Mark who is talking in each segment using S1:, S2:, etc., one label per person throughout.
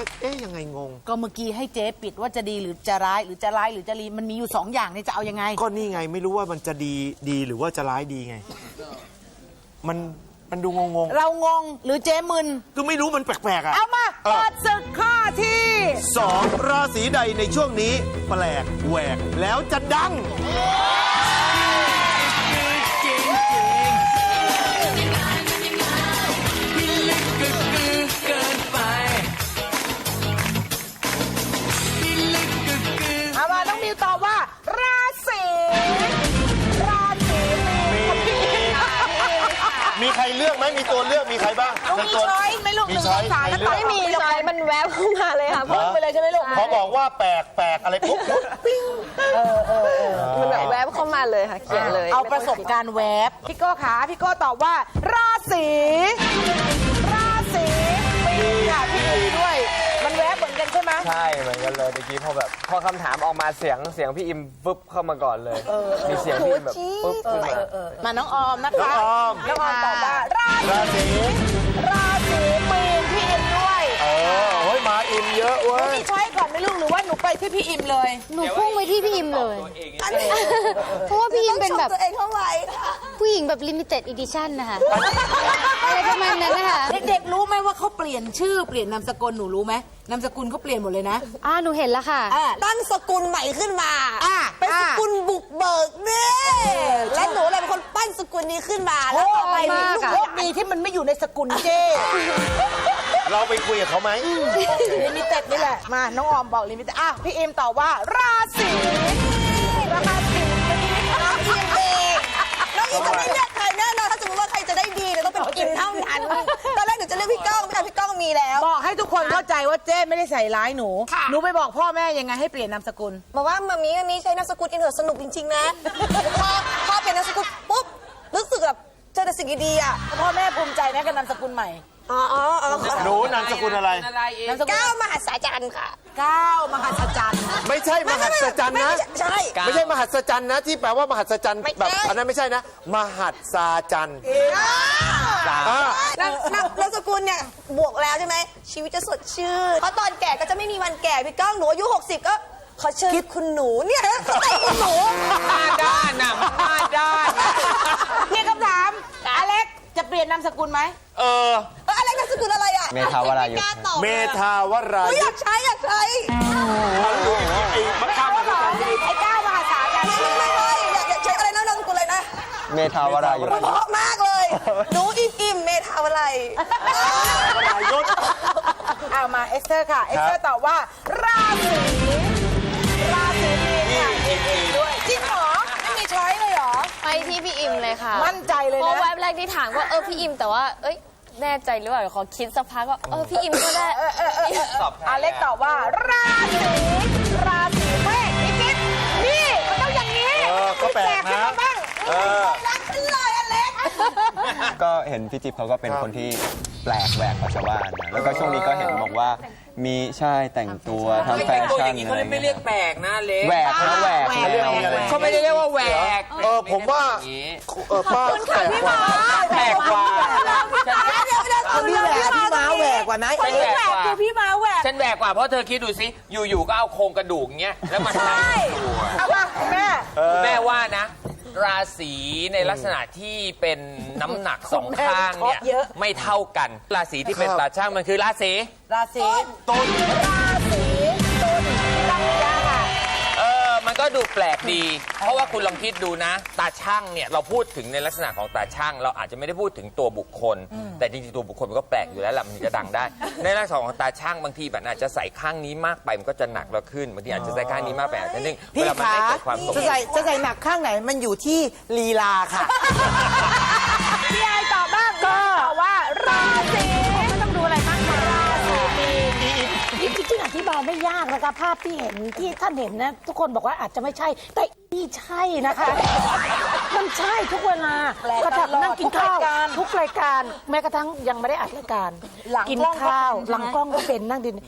S1: ก็ยังไงงง
S2: ก็เมื่อกี้ให้เจ๊ปิดว่าจะดีหรือจะร้ายหรือจะร้ายหรือจะดีมันมีอยู่2 อย่างนี่จะเอายังไง
S1: ก็นี่ไงไม่รู้ว่ามันจะดีหรือว่าจะร้ายดีไงมันดูงง
S2: เรางงหรือเจ๊มึน
S1: ก็ไม่รู้มันแปลกๆอ่ะ
S2: เอามาเปิดศึกข้อที่
S1: 2ราศีใดในช่วงนี้แปลกแหวกแล้วจะดัง
S2: เอามาต้องมิวตอบว่าราศี
S1: มีใครเลือกไหมมีตัวเลือกมีใครบ้าง
S2: มีช้อยไม่ลูก1 2 3แล้ว
S3: ไม่มีช้อยมันแวบเข้ามาเลยค่ะ
S2: พุ่งไปเลยใช่ไหมลูก
S1: พอบอกว่าแปลกอะไรปุ๊บปิ้ง
S3: มันแบบแวบเข้ามาเลยค่ะเขียนเลย
S2: เอาประสบการณ์แวบพี่โก้ขาพี่โก้ตอบว่าราศีปีค่ะพี่อิมด้วยมันแวบเหมือนกันใช่ไหม
S4: ใช่เหมือนกันเลยเมื่อกี้พอคำถามออกมาเสียงพี่อิมปุ๊บเข้ามาก่อนเลยมีเสียงพี่อิมแบบปุ๊บขึ้น
S2: มาน้องออมนะคะน้องออมตอบว่าราศีปีพี่อิมด้วย
S1: โอ้ยมาอิมเยอะเว้ย
S2: มีช้อยก่อนไหมลูกหรือว่าหนูไปที่พี่อิมเลย
S5: หนูพุ่งไปที่พี่อิมเลยเพราะว่าพี่อิมเป็นแบบ
S3: ตัวเองเข้าไว้
S5: ผู้หญิงแบบ limited edition นะคะอะไรประมาณนั้นนะคะ
S2: เด็กๆรู้ไหมว่าเขาเปลี่ยนชื่อเปลี่ยนนามสกุลหนูรู้ไหมนามสกุลเขาเปลี่ยนหมดเลยนะ
S5: หนูเห็นแล้วค่ะ
S3: ตั้งสกุลใหม่ขึ้นมาเป็นสกุลบุกเบิกเนี่ยและหนูเลยเป็นคนปั้นสกุลนี้ขึ้นมาแล้วต่อไปมีลูก
S2: โชคดีที่มันไม่อยู่ในสกุลเจ้
S1: เราไปคุยกับเขาไหม
S2: ลิมิเต็ดนี่แหละมาน้องออมบอกลิมิเต็ดพี่เอ็มตอบว่าราศี
S3: น้องอิมจะไม่เลือกใครแน่นอนถ้าสมมติว่าใครจะได้ดีเนี่ยต้องเป็นอิมเท่านั้นตอนแรกหนูจะเลือกพี่ก้องแต่พี่ก้องมีแล้ว
S2: บอกให้ทุกคนเข้าใจว่าเจ้ไม่ได้ใส่ร้ายหนูไปบอกพ่อแม่ยังไงให้เปลี่ยนนามสกุล
S3: บอกว่ามามีใช้นามสกุลอินเทอร์สนุกจริงๆนะพอเปลี่ยนนามสกุลปุ๊บรู้สึกแบบเจอแต่สิ่งดีๆอ่ะ
S2: พ่อแม่ภูมิใจไหมกับนามสกุลใหม่
S1: หนูนามสกุลอะไร
S3: ก้าวมหัศจรรย์ค่ะ
S2: ก้าวมหัศจรรย์
S1: ไม่ใช่มหัศจรรย์นะ
S3: ใช่
S1: ไม่ใช่มหัศจรรย์นะที่แปลว่ามหัศจรรย์แบบอันนั้นไม่ใช่นะมหัศจรรย์
S3: นามสกุลเนี่ยบวกแล้วใช่ไหมชีวิตจะสดชื่นเพราะตอนแก่ก็จะไม่มีวันแก่พี่ก้องหนูอายุ60ก็ขอเชิญคุณหนูเนี่ยคุณหนู
S4: มาด้านน่ะมาด้าน
S2: นี่คำถามอเล็กจะเปลี่ยนนามสกุลไหม
S3: อะไรนามสกุลอะไรอ่ะ
S4: เมธาวรายุ
S1: เมธาวรายุ
S3: อยากใช้ไอ้
S2: ก้าวมหัศจรรย์
S3: ไม่อยากใช้อะไรนามสกุลอะไรนะ
S4: เมธาวรายุ
S3: เพราะมากเลยหนูอิ่มเมธาวรายุ
S2: เอามาเอสเตอร์ค่ะเอสเตอร์ตอบว่าราศีมีนด้วยจริงเหรอไม่มีช้อยเลยเหรอ
S5: ไปที่พี่อิมเลยค่ะ
S2: มั่นใจเลยนะ
S5: เพราะแวบแรกที่ถามว่าพี่อิมแต่ว่าแน่ใจหรือเปล่าขอคิดสักพักว่าพี่อิมก็ได้
S2: อเล็กตอบว่าราศีเมษนี่จิ๊บนี่มันต้องอย่างนี้
S1: ก็แปลกนะ
S3: รักฉันเลยอเล็ก
S4: ก็เห็นพี่จิ๊บเขาก็เป็นคนที่แปลกแหวกกว่าชาวบ้านนะแล้วก็ช่วงนี้ก็เห็นบอกว่ามีใช่แต่งตัวทำแฟชั่น
S6: เขาไม่เรียกแปลกนะเล็ก
S4: แหวกนะแหวก
S6: เขาไม่ได้เรียกว่าแหวก
S1: ผมว่าป้าแปลกกว่า
S4: แปลกกว่า
S2: พี่ม้าแหวกกว่านะ
S6: ฉันแหวกกว่า
S2: พี่ม้าแหวก
S6: ฉันแหวกกว่าเพราะเธอคิดดูสิอยู่ๆก็เอาโครงกระดูกเงี้ยแล้วมันใส่
S2: เอาว่า
S6: แม่ว่านะราศีในลักษณะที่เป็นน้ำหนักสองข้างเนี่ยไม่เท่ากันราศีที่เป็นตาช่างมันคือราศี
S1: ตุล
S6: มันก็ดูแปลกดีเพราะว่าคุณลองคิดดูนะตาช่างเนี่ยเราพูดถึงในลักษณะของตาช่างเราอาจจะไม่ได้พูดถึงตัวบุคคลแต่จริงๆตัวบุคคลมันก็แปลกอยู่แล้วแหละมันจะดังได้ในลักษณะของตาช่างบางทีแบบอาจจะใส่ข้างนี้มากไปมันก็จะหนักแล้วขึ้นบางทีอาจจะใส่ข้างนี้มากไปอาจจะนึ่งเวลามันไม่เกิดความ
S2: จะใส่หนักข้างไหนมันอยู่ที่ลีลาค่ะพี่ไอตอบบ้างก็ตอบว่าราศีไม่ต้องดูอะไรมากมายราศี
S7: จริงๆอธิบายไม่ยากนะคะภาพที่เห็นที่ท่านเห็นนะทุกคนบอกว่าอาจจะไม่ใช่แต่นี่ใช่นะคะมันใช่ทุกเวลากระทั่งนั่งกินข้าวทุกรายการแม้กระทั่งยังไม่ได้อัดรายการกินข้าวหลังกล้องก็เป็นนั่งดิน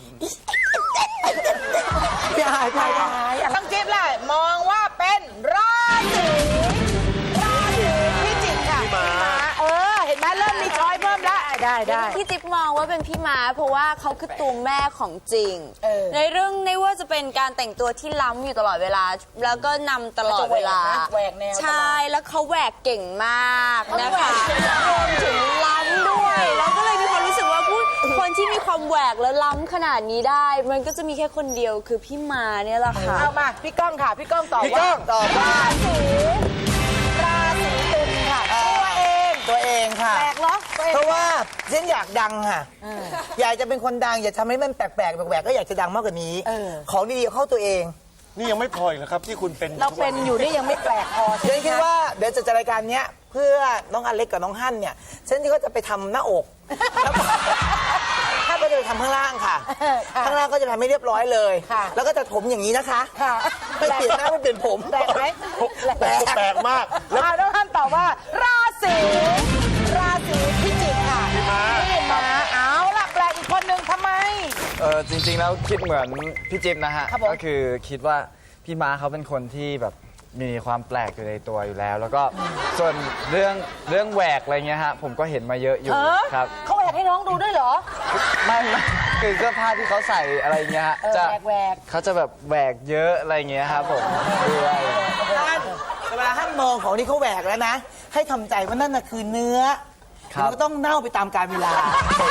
S2: พี่หายต้องจิ๊บเลยมองว่าเป็นราศีพิจิกค่ะเห็นไหมเริ่มมีช้อยเพิ่มแล้วได้ได้
S5: พี่จิ๊บมองว่าเป็นพี่ม้าเพราะว่าเขาคือตัวแม่ของจริง ในเรื่องไม่ว่าจะเป็นการแต่งตัวที่ล้ำอยู่ตลอดเวลา แล้วก็นำตลอดเวลา
S2: แหวกแนว
S5: ใช่แล้วเขาแหวกเก่งมากนะคะรวมถึงล้ำด้วยแล้วก็เลยมีความรู้สึกว่าคนที่มีความแหวกแล้วล้ำขนาดนี้ได้ มันก็จะมีแค่คนเดียวคือพี่ม้าเนี่ยแหละค่ะ
S2: เอามาพี่ก้องค่ะ พี่ก้องตอบ
S1: พี่ก้องตอบว่า
S2: ราศีตุลค่ะ ตัวเองค่ะ
S7: แปลกเหรอ
S2: เพราะว่าฉันอยากดังค่ะ อยากจะเป็นคนดัง อยากทำให้มันแปลกๆแหวกๆก็อยากจะดังมากกว่านี้ ของดีๆเข้าตัวเอง
S1: นี่ยังไม่พออีกเหรอครับที่คุณเป็น
S2: เราเป็นอยู่นี่ยังไม่แปลกพอฉันคิดว่าเดี๋ยวจะจัดรายการเนี้ยเพื่อน้องอเล็กกับน้องฮั่นเนี่ยฉันก็จะไปทำหน้าอกแล้วก็ถ้าก็จะไปทำข้างล่างค่ะ ข้างล่างก็จะทำให้เรียบร้อยเลย แล้วก็จะผมอย่างนี้นะคะไม่เปลี่ยนหน้าไม่เปลี่ยนผมแปลกไหม
S1: แปลกมากแล้ว
S2: น้องฮั่นตอบว่า ราศีพิจิกค่ะพี่ม้าเอาล่ะแปลกอีกคนนึงทำไม
S8: จริงๆแล้วคิดเหมือนพี่จิ๊บนะฮะ
S2: ครับผม
S8: ก็คือคิดว่าพี่ม้าเขาเป็นคนที่แบบมีความแปลกอยู่ในตัวอยู่แล้ว แล้วก็ส่วนเรื่องแหวกอะไรเงี้ยฮะผมก็เห็นมาเยอะอยู่ครับ
S7: เขาแหวกให้น้องดูด้วยเหรอ
S8: ไม่คือเสื้อผ้าที่เขาใส่อะไรเงี้ยฮะจะ
S7: แหวก
S8: เขาจะแบบแหวกเยอะอะไรเงี้ยครับผมด้วย
S2: ฮั่นเวลาฮั่นมองของที่เขาแหวกแล้วนะ ให้ทำใจว่านั่นน่ะคือเนื้อมันก็ต้องเน่าไปตามกาลเวลา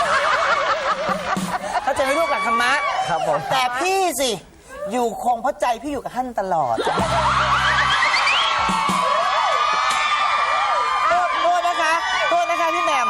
S2: เข้าใจไหมลูกหลักธรรมะ
S8: ครับผม
S2: แต่พี่สิ อยู่คงเพราะใจพี่อยู่กับฮั่นตลอดโทษนะคะพี่แหม่ม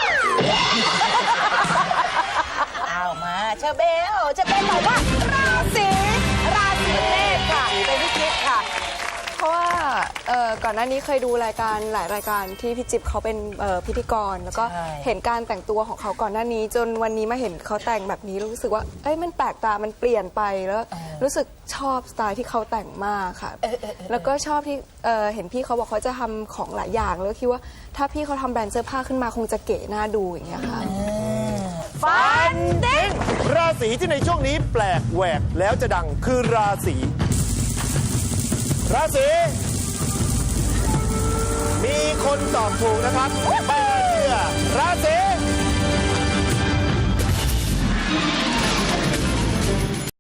S2: เอามาเชอเบลตอบว่าราศีเมษค่ะเป็นพี่จิ๊บค่ะ
S9: เพราะว่าก่อนหน้านี้เคยดูรายการหลายรายการที่พี่จิ๊บเขาเป็นพิธีกร แล้วก็
S2: ใช่
S9: เห็นการแต่งตัวของเขาก่อนหน้านี้ จนวันนี้มาเห็นเขาแต่งแบบนี้รู้สึกว่าเอ้ยมันแปลกตามันเปลี่ยนไปแล้วรู้สึกชอบสไตล์ที่เขาแต่งมากค่ะ แล้วก็ชอบที่เห็นพี่เขาบอกเขาจะทำของหลายอย่างแล้วคิดว่าถ้าพี่เขาทำแบรนด์เสื้อผ้าขึ้นมาคงจะเก๋น่าดูอย่างเงี้ยค่ะ
S2: ฟันเด้ง
S1: ราศีที่ในช่วงนี้แปลกแหวกแล้วจะดังคือราศีมีคนตอบถูกนะครับไม่น่าเชื่อราศี